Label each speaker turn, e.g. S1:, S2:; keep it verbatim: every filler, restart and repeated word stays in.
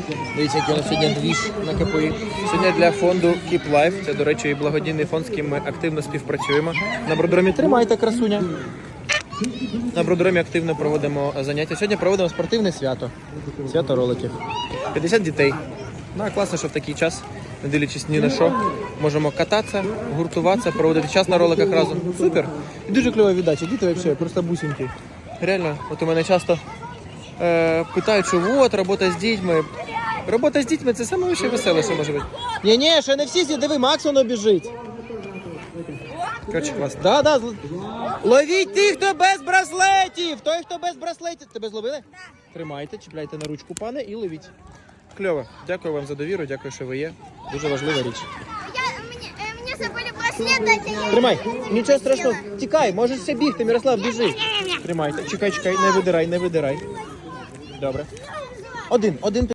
S1: Дивіться, який у нас сьогодні двіж на КПІ. Сьогодні для фонду Keep Life. Це, до речі, благодійний фонд, з ким ми активно співпрацюємо. На Бродромі тримайте, красуня. На Бродромі активно проводимо заняття. Сьогодні проводимо спортивне свято. Свято роликів. п'ятдесят дітей. Ну, а класно, що в такий час, не дивлячись ні на що, можемо кататися, гуртуватися, проводити час на роликах разом. Супер! І дуже кльова віддача. Діти взагалі просто бусинки. Реально, от у мене часто е, питають, що от, робота з дітьми. Робота з дітьми – це саме веселе, що може бути. Ні-ні, ще не всі зі, диви, Макс воно біжить. Короче, клас. Да, да. Ловіть тих, хто без браслетів! Той, хто без браслетів. Тебе зловили? Да. Тримайте, чіпляйте на ручку, пане, і ловіть. Кльово. Дякую вам за довіру, дякую, що ви є. Дуже важлива річ.
S2: Я, мені, мені забили браслет дати.
S1: Тримай. Нічого страшного. Тікай, можеш все бігти, Мирослав, біжи. Тримайте. Чекай, чекай, не видирай, не видирай. Добре. Один, один.